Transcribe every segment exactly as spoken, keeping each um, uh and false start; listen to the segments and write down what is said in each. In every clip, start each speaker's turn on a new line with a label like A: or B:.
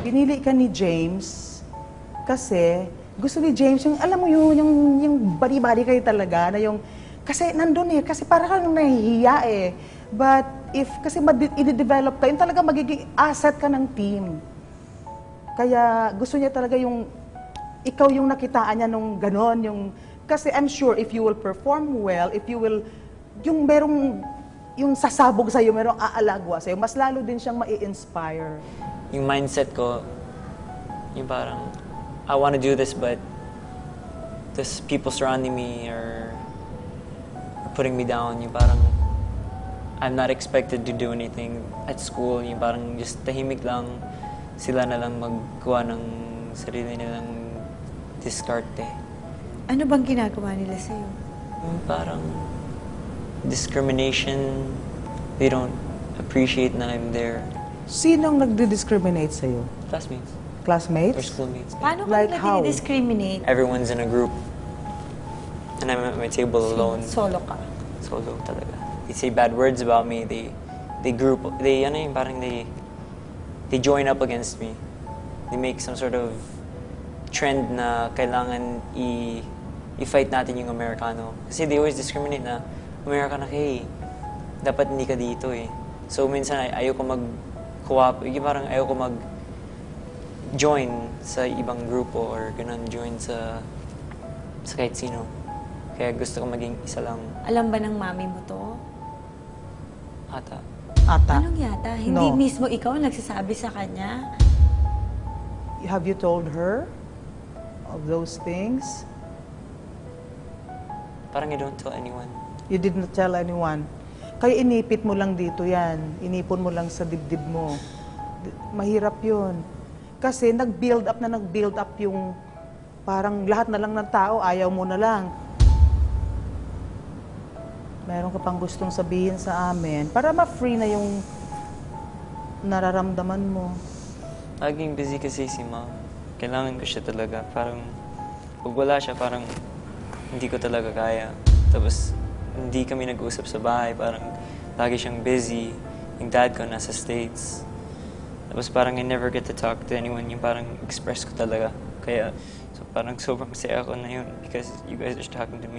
A: Pinili ka ni James kasi gusto ni James yung, alam mo yun, yung, yung bari-bari kayo talaga, na yung, kasi nandun eh, kasi parang kang nahihiya eh. But if, kasi i-develop ka, yun talaga magiging asset ka ng team. Kaya gusto niya talaga yung, ikaw yung nakitaan niya nung ganon, yung, kasi I'm sure if you will perform well, if you will, yung merong, yung sasabog sa'yo, merong aalagwa sa'yo, mas lalo din siyang mai-inspire.
B: Yung mindset ko, yung parang, I want to do this, but this people surrounding me are, are putting me down. Yung parang, I'm not expected to do anything at school. Yung parang just tahimik lang, sila na lang maggawa ng sarili nilang diskarte.
C: Ano bang ginagawa nila sa'yo?
B: Yung parang discrimination, they don't appreciate na I'm there.
A: Sinong nagdi-discriminate sa'yo?
B: Classmates.
A: Classmates?
B: Or schoolmates.
C: Paano
A: Like
C: ka
A: how?
C: nila discriminate?
B: Everyone's in a group. And I'm at my table alone.
C: Solo ka.
B: Solo talaga. They say bad words about me. They, they group, they, ano yung parang they, they join up against me. They make some sort of trend na kailangan i, i-fight natin yung Amerikano. Kasi they always discriminate na, Amerikano ka eh. Dapat hindi ka dito eh. So minsan ay, ayoko mag-co-op, yung parang ayoko mag join sa ibang grupo or ganun, join sa, sa kahit sino. Kaya gusto ko maging isa lang.
C: Alam ba ng mami mo to?
B: Ata.
A: Ata.
C: Anong yata? Hindi
A: No.
C: mismo ikaw nagsasabi sa kanya?
A: Have you told her of those things?
B: Parang I don't tell anyone.
A: You did not tell anyone. Kaya inipit mo lang dito yan. Inipon mo lang sa dibdib mo. D- Mahirap yun. Kasi nag-build up na nag-build up yung parang lahat na lang ng tao, ayaw mo na lang. Meron ka pang gustong sabihin sa amin para ma-free na yung nararamdaman mo.
B: Laging busy kasi si mom. Kailangan ko siya talaga. Parang, pag wala siya, parang hindi ko talaga kaya. Tapos, hindi kami nag-usap sa bahay. Parang, lagi siyang busy. Yung dad ko nasa States. Tapos parang I never get to talk to anyone. Yung parang express ko talaga. Kaya, so parang sobrang saya ako na yun because you guys are talking to me.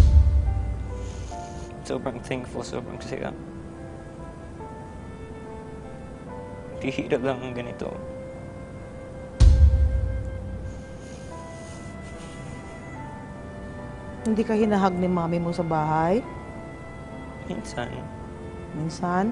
B: Sobrang thankful, sobrang saya. Bihira lang ang ganito.
A: Hindi ka hinahag ni mami mo sa bahay?
B: Minsan,
A: Minsan?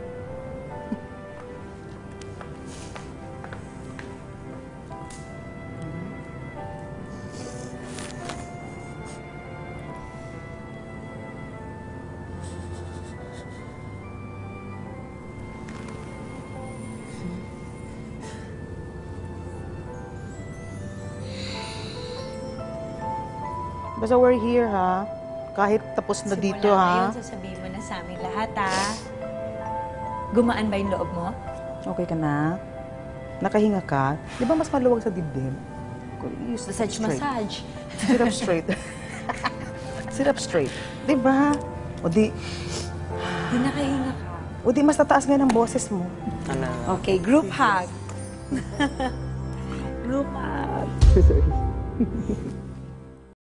A: Basta we're here, ha? Kahit tapos na dito,
C: Simula
A: ha?
C: ngayon, sasabihin mo na sa amin lahat, ha? Gumaan ba yung loob mo?
A: Okay ka na? Nakahinga ka? Di ba mas maluwag sa dibdib? You sit up
C: Massage,
A: straight.
C: massage.
A: Sit up straight. Sit up straight. Di ba? O di,
C: Di nakahinga ka.
A: o di mas tataas ngayon ang boses mo.
B: ano,
C: Okay, group hug. Group hug.
A: Sorry.